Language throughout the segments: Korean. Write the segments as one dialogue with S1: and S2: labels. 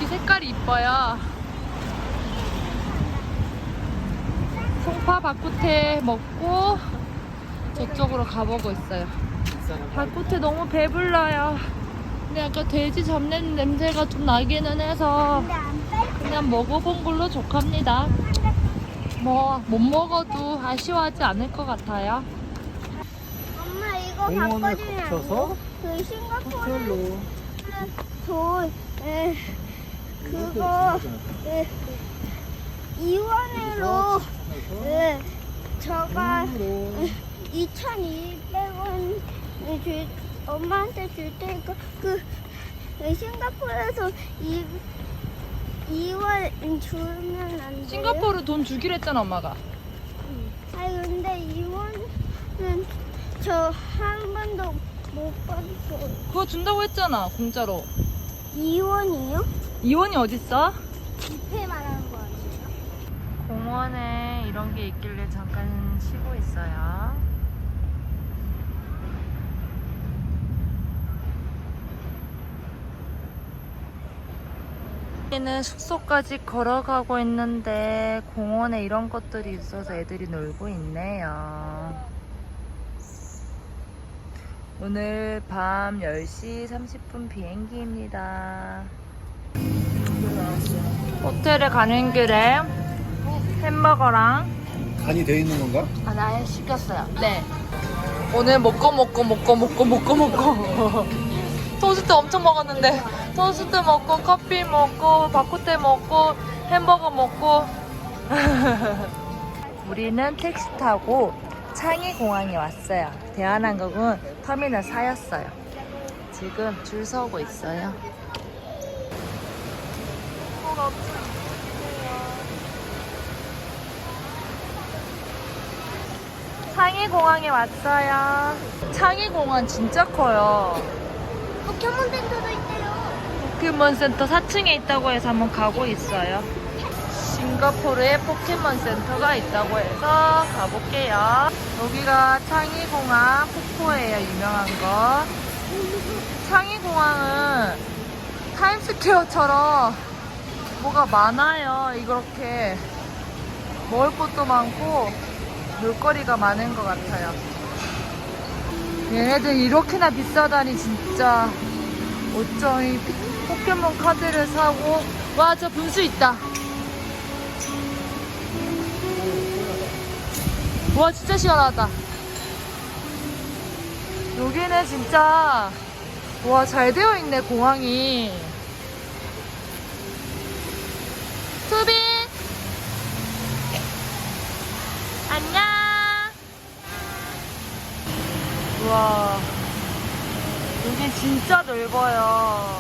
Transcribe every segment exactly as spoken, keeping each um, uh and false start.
S1: 여기 색깔이 이뻐요. 송파 바쿠테 먹고 저쪽으로 가보고 있어요. 바쿠테 너무 배불러요. 근데 약간 돼지 잡는 냄새가 좀 나기는 해서 그냥 먹어본 걸로 족합니다. 뭐 못 먹어도 아쉬워하지 않을 것 같아요.
S2: 엄마 이거
S3: 공원을
S2: 바꿔주면 안
S3: 거쳐서
S2: 돼? 그 싱가포르
S3: 호텔로
S2: 돈 에, 그거 에, 이원으로 에, 저가 이천이백 원 줄, 엄마한테 줄 테니까 그 에, 싱가포르에서 이, 이원 주면 안 돼?
S1: 싱가포르 돈 주기로 했잖아 엄마가.
S2: 아니 근데 이원은 저 한 번도 못 받았어요.
S1: 그거 준다고 했잖아 공짜로.
S2: 이원이요?
S1: 이원이 어딨어?
S2: 지폐 말하는 거 아니에요?
S1: 공원에 이런 게 있길래 잠깐 쉬고 있어요. 여기는 숙소까지 걸어가고 있는데 공원에 이런 것들이 있어서 애들이 놀고 있네요. 오늘 밤 열 시 삼십 분 비행기입니다. 호텔에 가는 길에 햄버거랑
S3: 간이 되어 있는 건가?
S1: 아, 나 시켰어요. 네. 오늘 먹고 먹고 먹고 먹고 먹고 먹고 토스트 엄청 먹었는데 토스트 먹고 커피 먹고 바쿠테 먹고 햄버거 먹고 우리는 택시 타고 창의공항에 왔어요. 대한항공은 터미널 사였어요. 지금 줄 서고 있어요. 창의공항에 왔어요. 창의공항 진짜 커요.
S2: 포켓몬 센터도 있대요.
S1: 포켓몬센터 사 층에 있다고 해서 한번 가고 있어요. 싱가포르에 포켓몬센터가 있다고 해서 가볼게요. 여기가 창의공항 폭포예요. 유명한 거. 창의공항은 타임스퀘어처럼 뭐가 많아요. 이렇게 먹을 것도 많고 놀거리가 많은 것 같아요. 얘네들 이렇게나 비싸다니 진짜. 어쩜 이 포켓몬 카드를 사고. 와, 저 분수 있다. 와, 진짜 시원하다. 여기는 진짜 와, 잘 되어 있네 공항이. 수빈 안녕. 우와, 여기 진짜 넓어요.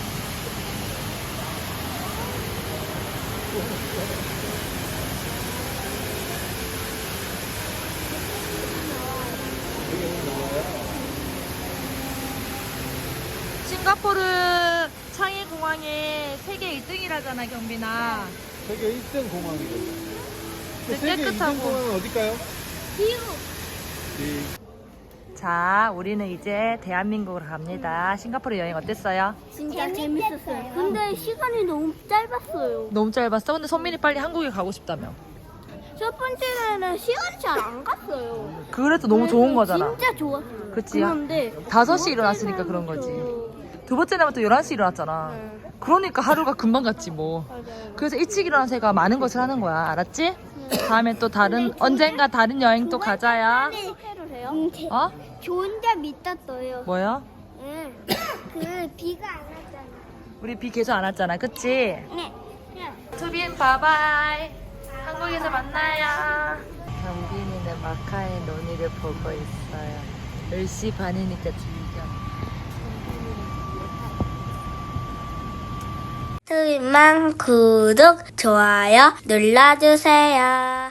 S1: 싱가포르 창의공항에 세계 일 등이라잖아 경빈아.
S3: 세계 일 등 공항이죠.
S1: 근데
S3: 세계 일 등
S1: 깨끗하고.
S3: 공항은 어딜까요?
S2: 미국.
S3: 네.
S1: 자, 우리는 이제 대한민국으로 갑니다. 싱가포르 여행 어땠어요?
S2: 진짜 재밌었어요. 근데 시간이 너무 짧았어요.
S1: 너무 짧았어? 근데 선민이 빨리 한국에 가고 싶다며.
S2: 첫 번째는 시간이 잘 안 갔어요.
S1: 그래도 너무 좋은 거잖아.
S2: 진짜 좋았어요.
S1: 그치?
S2: 그런데
S1: 다섯 시 일어났으니까 그런 거지. 두 번째는 또 열한 시 일어났잖아.
S2: 네.
S1: 그러니까 하루가 금방 갔지 뭐.
S2: 맞아요.
S1: 그래서 일찍 일어난 새가 많은 것을 하는 거야. 알았지? 다음에 또 다른 언젠가 다른 여행 또 가자야.
S2: 해도 돼요? 응, 제,
S1: 어?
S2: 좋은 점 있었어요.
S1: 뭐야?
S2: 응. 그 비가 안 왔잖아.
S1: 우리 비 계속 안 왔잖아. 그치?
S2: 네. 네.
S1: 투빈 바바이. 한국에서 만나요. 경빈이는 마카의 논이를 보고 있어요. 열 시 반이니까 즐겨.
S2: 투빈만 구독, 좋아요 눌러주세요.